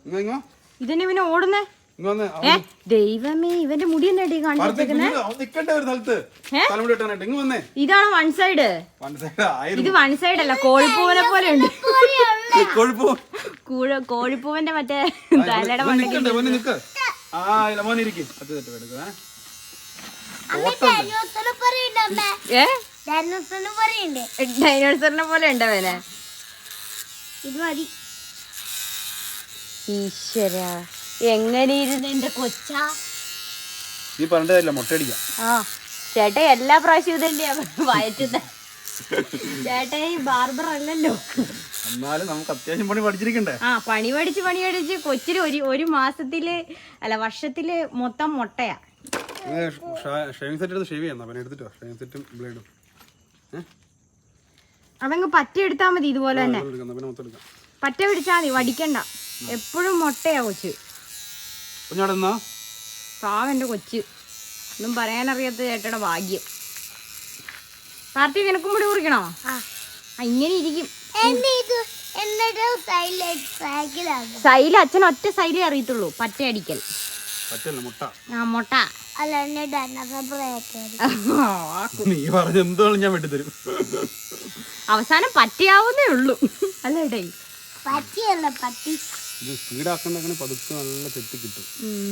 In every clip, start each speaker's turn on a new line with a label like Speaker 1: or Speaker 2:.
Speaker 1: ഇതന്നെ ഇവനെ ഓടുന്നേ. ദൈവമേ, ഇവന്റെ മുടി തന്നെ കാണിച്ചേക്കുന്നേ. ഇതാണ് വൺ സൈഡ്. ഇത് വൺ സൈഡ് അല്ല, കോഴിപ്പൂവനെ പോലെ ഉണ്ട്. കോഴിപ്പൂവന്റെ മറ്റേ തലയുടെ ഡൈനോസറിനെ പോലെ ഉണ്ട് അവനെ. ഇത് മതി. ഈശ്വര, എങ്ങനെ ഇരുന്ന് എന്റെ കൊച്ചാ.
Speaker 2: നീ പറഞ്ഞില്ല മുട്ടയടിക്കാം.
Speaker 1: ആ ചേട്ടാ, എല്ലാ പ്രാവശ്യം ഇതന്നെയാ വയറ്റുന്ന. ചേട്ടാ ഈ ബാർബർ അല്ലല്ലോ.
Speaker 2: എന്നാലും നമുക്ക് അത്യാവശ്യം പണി പഠിച്ചിരിക്കണ്ടേ.
Speaker 1: ആ, പണി പഠിച്ച് കൊച്ചിന് ഒരു മാസത്തില് അല്ല വർഷത്തില് മൊത്തം മുട്ടയാ.
Speaker 2: ഷേവിംഗ് സെറ്റ് എടുത്ത് ഷേവ് ചെയ്യാം. എടുത്തിട്ടോ ഷേവിംഗ് സെറ്റും ബ്ലേഡും.
Speaker 1: അതങ്ങ് പറ്റ എടുത്താ മതി. ഇതുപോലെ തന്നെ പറ്റ പിടിച്ചാ മതി, വടിക്കണ്ട. എപ്പോഴും മുട്ടയാ കൊച്ച്. പാവന്റെ കൊച്ച്, ഒന്നും പറയാനറിയാത്ത ചേട്ടയുടെ ഭാഗ്യം. പാർട്ടി നിനക്കും കൂടി കുറിക്കണോ? ഇങ്ങനെ ഇരിക്കും. സൈല് അച്ഛൻ ഒറ്റ സൈലേ അറിയത്തുള്ളൂ, പറ്റ അടിക്കൽ. ആ മുട്ട അവസാനം പറ്റിയാവുന്നേ ഉള്ളൂ അല്ലേടേ.
Speaker 2: പറ്റിയല്ല പറ്റി. ഇത് സ്പീഡാക്കണ്ടങ്ങനെ പതുക്കെ നല്ല ചെത്തി കിട്ടും.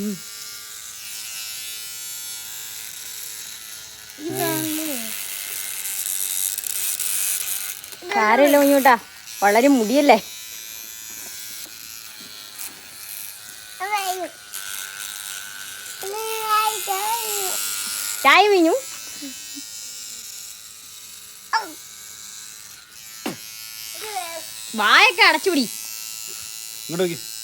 Speaker 1: സാരമില്ല കുഞ്ഞൂട്ടാ, വളരെ മുടിയല്ലേ. ചായ വീഞ്ഞു. വായൊക്കെ അടച്ചുപിടി.
Speaker 2: ഇങ്ങോട്ട്